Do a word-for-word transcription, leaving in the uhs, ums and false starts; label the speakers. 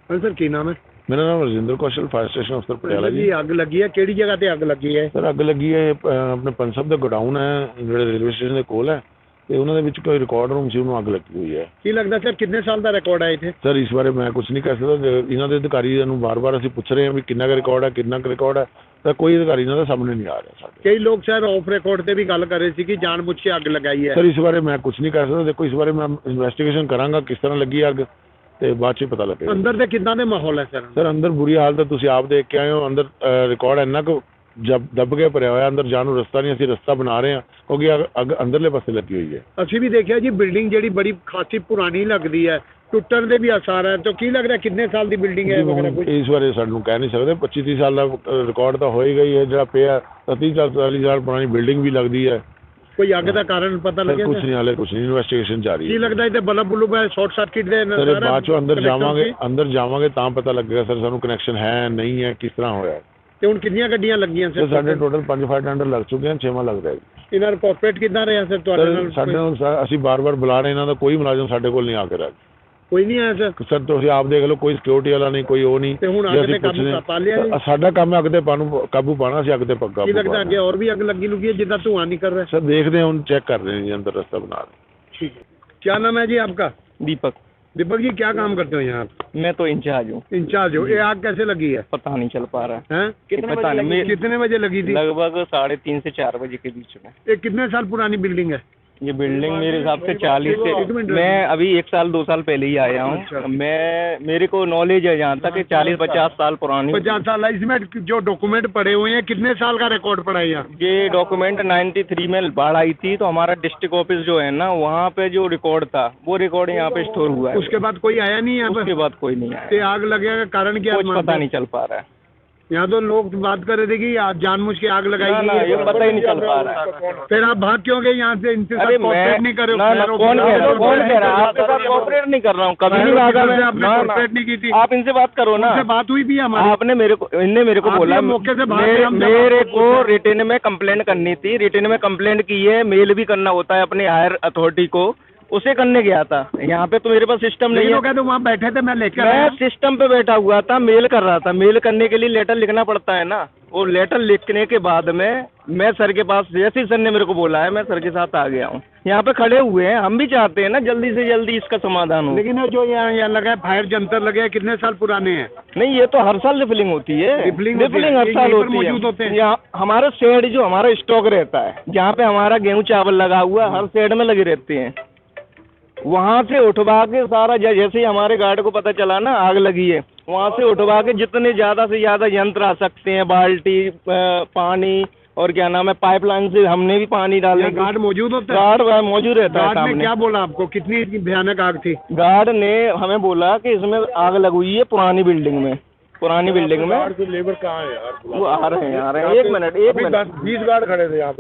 Speaker 1: हाँ सर, की नाम है?
Speaker 2: मेरा नाम रजिंदर कौशल, फायर स्टेशन अफसर पटियाला जी।
Speaker 1: ਅੱਗ ਲੱਗੀ ਹੈ, ਕਿਹੜੀ ਜਗ੍ਹਾ ਤੇ ਅੱਗ ਲੱਗੀ ਹੈ?
Speaker 2: ਸਰ ਅੱਗ ਲੱਗੀ ਹੈ ਅਹ, ਆਪਣੇ ਪੰਜ ਸਾਹਿਬ ਦਾ ਗੋਡਾਊਨ ਹੈ ਜਿਹੜੇ ਰੇਲਵੇ ਸਟੇਸ਼ਨ ਦੇ ਕੋਲ ਹੈ ਤੇ ਉਹਨਾਂ ਦੇ ਵਿੱਚ ਕੋਈ ਰਿਕਾਰਡ ਰੂਮ ਸੀ, ਉਹਨੂੰ ਅੱਗ ਲੱਗੀ ਹੋਈ ਹੈ।
Speaker 1: ਕੀ ਲੱਗਦਾ ਸਰ ਕਿੰਨੇ ਸਾਲ ਦਾ ਰਿਕਾਰਡ ਹੈ ਇੱਥੇ?
Speaker 2: ਸਰ ਇਸ ਬਾਰੇ ਮੈਂ ਕੁਝ ਨਹੀਂ ਕਹਿ ਸਕਦਾ, ਜੇ ਇਹਨਾਂ ਦੇ ਅਧਿਕਾਰੀਆਂ ਨੂੰ ਵਾਰ-ਵਾਰ ਅਸੀਂ ਪੁੱਛ ਰਹੇ ਹਾਂ ਵੀ ਕਿੰਨਾ ਕੁ ਰਿਕਾਰਡ ਹੈ, ਕਿੰਨਾ ਕੁ ਰਿਕਾਰਡ ਹੈ, ਤਾਂ ਕੋਈ ਅਧਿਕਾਰੀ ਇਹਨਾਂ ਦਾ ਸਾਹਮਣੇ ਨਹੀਂ ਆ ਰਿਹਾ ਸਾਡੇ।
Speaker 1: ਕਈ ਲੋਕ ਸਰ ਆਫ ਰਿਕਾਰਡ ਤੇ ਵੀ ਗੱਲ ਕਰ ਰਹੇ ਸੀ ਕਿ ਜਾਣਬੁੱਝ ਕੇ ਅੱਗ ਲਗਾਈ ਹੈ।
Speaker 2: ਸਰ ਇਸ ਬਾਰੇ ਮੈਂ ਕੁਝ ਨਹੀਂ ਕਹਿ ਸਕਦਾ, ਦੇਖੋ ਇਸ ਬਾਰੇ ਮੈਂ ਇਨਵੈਸਟੀਗੇਸ਼ਨ ਕਰਾਂਗਾ ਕਿਸ ਤਰ੍ਹਾਂ ਲੱਗੀ ਅੱਗ ਤੇ ਬਾਅਦ 'ਚ ਹੀ ਪਤਾ ਲੱਗੇਗਾ।
Speaker 1: ਅੰਦਰ ਦੇ ਕਿੱਦਾਂ ਦੇ ਮਾਹੌਲ ਹੈ ਸਰ?
Speaker 2: ਸਰ ਅੰਦਰ ਬੁਰੀ ਹਾਲਤ ਹੈ, ਤੁਸੀਂ ਆਪ ਦੇਖ ਕੇ ਆਏ ਹੋ। ਅੰਦਰ ਰਿਕਾਰਡ ਇੰਨਾ ਕੁ ਜਬ ਦੱਬ ਕੇ ਭਰਿਆ ਹੋਇਆ, ਅੰਦਰ ਜਾਣ ਨੂੰ ਰਸਤਾ ਨਹੀਂ, ਅਸੀਂ ਰਸਤਾ ਬਣਾ ਰਹੇ ਹਾਂ ਕਿਉਂਕਿ ਅੱਗ- ਅੱਗ ਅੰਦਰਲੇ ਪਾਸੇ ਲੱਗੀ ਹੋਈ ਹੈ।
Speaker 1: ਅਸੀਂ ਵੀ ਦੇਖਿਆ ਜੀ, ਬਿਲਡਿੰਗ ਜਿਹੜੀ ਬੜੀ ਖਾਸੀ ਪੁਰਾਣੀ ਲੱਗਦੀ ਹੈ, ਟੁੱਟਣ ਦੇ ਵੀ ਆਸਾਰ ਹੈ। ਤਾਂ ਕੀ ਲੱਗ ਰਿਹਾ ਕਿੰਨੇ ਸਾਲ ਦੀ ਬਿਲਡਿੰਗ ਹੈ ਵਗੈਰਾ ਕੁਝ?
Speaker 2: ਇਸ ਬਾਰੇ ਸਾਨੂੰ ਕਹਿ ਨਹੀਂ ਸਕਦੇ, ਪੱਚੀ ਤੀਹ ਸਾਲ ਦਾ ਰਿਕਾਰਡ ਤਾਂ ਹੋਏਗਾ ਹੀ ਹੈ ਜਿਹੜਾ ਪਿਆ। ਤੀਹ ਚਾਲੀ ਸਾਲ ਪੁਰਾਣੀ ਬਿਲਡਿੰਗ ਵੀ ਲੱਗਦੀ ਹੈ।
Speaker 1: ਕੋਈ ਅੱਗ ਦਾ ਕਾਰਨ ਪਤਾ ਲੱਗਿਆ
Speaker 2: ਕੁਝ
Speaker 1: ਸਰ?
Speaker 2: ਨਹੀਂ, ਹਾਲੇ ਕੁਝ ਨਹੀਂ, ਇਨਵੈਸਟੀਗੇਸ਼ਨ ਜਾਰੀ
Speaker 1: ਕੀ
Speaker 2: ਹੈ।
Speaker 1: ਲੱਗਦਾ ਇਹਦੇ ਬਲਬ ਬੁਲਬ ਹੈ, ਸ਼ਾਰਟ ਸਰਕਟ ਦੇ
Speaker 2: ਸਰ ਇਹ ਬਾਅਦ ਚੋਂ ਅੰਦਰ
Speaker 1: connection
Speaker 2: ਜਾਵਾਂਗੇ,
Speaker 1: ਸੀ?
Speaker 2: ਅੰਦਰ ਜਾਵਾਂਗੇ ਤਾਂ ਪਤਾ ਲੱਗੇਗਾ ਸਰ ਸਾਨੂੰ ਕਨੈਕਸ਼ਨ ਹੈ ਨਹੀਂ ਹੈ, ਕਿਸ ਤਰ੍ਹਾਂ ਹੋਇਆ।
Speaker 1: ਤੇ ਹੁਣ ਕਿੰਨੀਆਂ ਗੱਡੀਆਂ ਲੱਗੀਆਂ
Speaker 2: ਸਰ
Speaker 1: ਸਰ?
Speaker 2: ਸਾਡੇ ਟੋਟਲ ਪੰਜ ਫਾਇਰ ਟੈਂਡਰ ਲੱਗ ਚੁੱਕੇ ਹਨ, ਛੇਵਾਂ ਲੱਗ ਰਿਹਾ ਜੀ।
Speaker 1: ਇਹਨਾਂ ਨੂੰ ਕੋਆਪਰੇਟ ਕਿੱਦਾਂ ਰਿਹਾ ਸਰ ਤੁਹਾਡੇ
Speaker 2: ਸਰ
Speaker 1: ਨਾਲ?
Speaker 2: ਸਾਡੇ ਨਾਲ ਸਰ ਅਸੀਂ ਬਾਰ-ਬਾਰ ਬੁਲਾ ਰਹੇ, ਇਹਨਾਂ ਦਾ ਕੋਈ ਮੁਲਾਜ਼ਮ ਸਾਡੇ ਕੋਲ ਨਹੀਂ ਆ ਕੇ ਰਿਹਾ।
Speaker 1: ਕੋਈ ਨਹੀਂ ਆਇਆ ਸਰ?
Speaker 2: ਸਰ ਤੁਸੀਂ ਆਪ ਦੇਖ ਲਓ, ਕੋਈ ਸਿਕਿਉਰਿਟੀ ਵਾਲਾ ਨਹੀਂ, ਕੋਈ ਉਹ ਨਹੀਂ।
Speaker 1: ਤੇ ਹੁਣ
Speaker 2: ਜੇ
Speaker 1: ਅੱਗ
Speaker 2: ਅਸੀਂ
Speaker 1: ਤੇ ਕਾਬੂ
Speaker 2: ਪੁੱਛਦੇ ਹਾਂ-
Speaker 1: ਪਾ ਲਿਆ ਜੀ?
Speaker 2: ਸਾਡਾ ਕੰਮ ਹੈ ਅੱਗ ਤੇ ਪਾਨੂੰ ਕਾਬੂ ਪਾਣਾ, ਅਸੀਂ ਅੱਗ ਤੇ ਪੱਕਾ
Speaker 1: ਕੀ ਲੱਗਦਾ ਅੱਗੇ ਹੋਰ ਵੀ ਅੱਗ ਲੱਗੀ ਲੁਗੀ ਹੈ ਜਿੱਦਾਂ ਧੂਆਂ ਨਿਕਲ ਰਿਹਾ?
Speaker 2: सर देखते हैं, उन चेक कर रहे हैं जी, अंदर रास्ता बना रहे हैं।
Speaker 1: ठीक है। क्या नाम है जी आपका?
Speaker 3: दीपक।
Speaker 1: दीपक जी क्या काम करते हो यहाँ?
Speaker 3: मैं तो इंचार्ज हूँ।
Speaker 1: इंचार्ज हो। ये आग कैसे लगी है?
Speaker 3: पता नहीं चल पा रहा
Speaker 1: हैं?
Speaker 3: कितने पता नहीं मैं-
Speaker 1: कितने बजे लगी थी?
Speaker 3: लगभग साढ़े तीन से चार बजे के बीच में।
Speaker 1: ये कितने साल पुरानी बिल्डिंग है?
Speaker 3: ये बिल्डिंग मेरे हिसाब से चालीस
Speaker 1: एक
Speaker 3: से,
Speaker 1: मिनट
Speaker 3: मैं अभी एक साल दो साल पहले ही आया
Speaker 1: अच्छा।
Speaker 3: हूँ। मैं मेरे को नॉलेज है जहाँ तक कि चालीस पचास साल पुरानी।
Speaker 1: पचास साल है। इसमें जो डॉक्यूमेंट पड़े हुए हैं कितने साल का रिकॉर्ड पड़ा है यहाँ?
Speaker 3: ये डॉक्यूमेंट तिरानवे में बाढ़ आई थी तो हमारा डिस्ट्रिक्ट ऑफिस जो है ना, वहाँ पे जो रिकॉर्ड था वो रिकॉर्ड यहाँ पे स्टोर हुआ है।
Speaker 1: उसके बाद कोई आया नहीं यहाँ
Speaker 3: उसके
Speaker 1: पर?
Speaker 3: बाद कोई नहीं आया।
Speaker 1: ये आग लगने का कारण क्या
Speaker 3: कुछ
Speaker 1: मानते
Speaker 3: पता
Speaker 1: हैं?
Speaker 3: नहीं चल पा रहा है।
Speaker 1: यहाँ तो लोग बात कर रहे थे कि आज जानबूझ के आग लगाई
Speaker 3: ना,
Speaker 1: गई
Speaker 3: ना,
Speaker 1: है।
Speaker 3: ये पता ही नहीं चल पा रहा है।
Speaker 1: फिर आप भाग क्यों गए यहाँ से? इनसे
Speaker 3: अरे
Speaker 1: सब कोऑपरेट नहीं कर रहे हो?
Speaker 3: ना, ना,
Speaker 1: खैर,
Speaker 3: कौन कह रहा है? कौन कह रहा है?
Speaker 1: आप
Speaker 3: आपके साथ कोऑपरेट नहीं कर रहा हूँ, कभी
Speaker 1: खैर,
Speaker 3: नहीं भागा
Speaker 1: किसी
Speaker 3: मैं।
Speaker 1: से आपने
Speaker 3: ना, ना,
Speaker 1: कोऑपरेट नहीं की थी?
Speaker 3: आप इनसे बात करो ना।
Speaker 1: उनसे बात हुई भी हमारी?
Speaker 3: आपने मेरे को इनने मेरे को
Speaker 1: आप
Speaker 3: बोला
Speaker 1: ये मौके से बाहर
Speaker 3: मेरे,
Speaker 1: हम जब
Speaker 3: मेरे
Speaker 1: आपको
Speaker 3: को
Speaker 1: पूछा-
Speaker 3: रिटर्न में कंप्लेंट करनी थी। रिटर्न में कंप्लेंट की है, मेल भी करना होता है अपने हायर अथॉरिटी को, उसे करने गया था। यहाँ पे तो मेरे पास सिस्टम नहीं
Speaker 1: नहीं
Speaker 3: है।
Speaker 1: तो वहाँ बैठे थे, मैं लेकर
Speaker 3: मैं
Speaker 1: आया।
Speaker 3: सिस्टम पे बैठा हुआ था, मेल कर रहा था। मेल करने के लिए लेटर लिखना पड़ता है ना, वो लेटर लिखने के बाद में मैं सर के पास, जैसे ही सर ने मेरे को बोला है, मैं सर के साथ आ गया हूँ। यहाँ पे खड़े हुए हैं, हम भी चाहते हैं ना जल्दी से जल्दी इसका समाधान हो।
Speaker 1: लेकिन जो यहाँ यहाँ लगा है फायर जंतर लगे हैं, कितने साल पुराने हैं?
Speaker 3: नहीं, ये तो हर साल रिफिलिंग होती है।
Speaker 1: रिफिलिंग होती है?
Speaker 3: रिफिलिंग हर
Speaker 1: ये
Speaker 3: साल
Speaker 1: यहीं पर
Speaker 3: होती
Speaker 1: मौजूद होते
Speaker 3: है।
Speaker 1: हैं?
Speaker 3: यहाँ हमारा शेड जो हमारा स्टॉक रहता है, जहाँ पे हमारा गेहूँ चावल लगा हुआ है, हर शेड में लगे रहते हैं। वहाँ से उठवा के सारा, जैसे ही हमारे गार्ड को पता चला ना आग लगी है, वहाँ से उठवा के जितने ज़्यादा से ज़्यादा यंत्र आ सकते हैं, बाल्टी, पानी और क्या नाम है, पाइपलाइन से हमने भी पानी डाले।
Speaker 1: यहाँ गार्ड मौजूद होता है?
Speaker 3: गार्ड वहाँ मौजूद रहता है
Speaker 1: गार्ड ने
Speaker 3: सामने।
Speaker 1: क्या बोला आपको? कितनी भयानक आग थी?
Speaker 3: गार्ड ने हमें बोला कि इसमें आग लगी हुई है पुरानी बिल्डिंग में, पुरानी बिल्डिंग में।
Speaker 2: लेबर कहाँ है यार?
Speaker 3: वो आ रहे हैं आ रहे हैं एक मिनट एक मिनट
Speaker 2: बीस गार्ड खड़े थे यहाँ।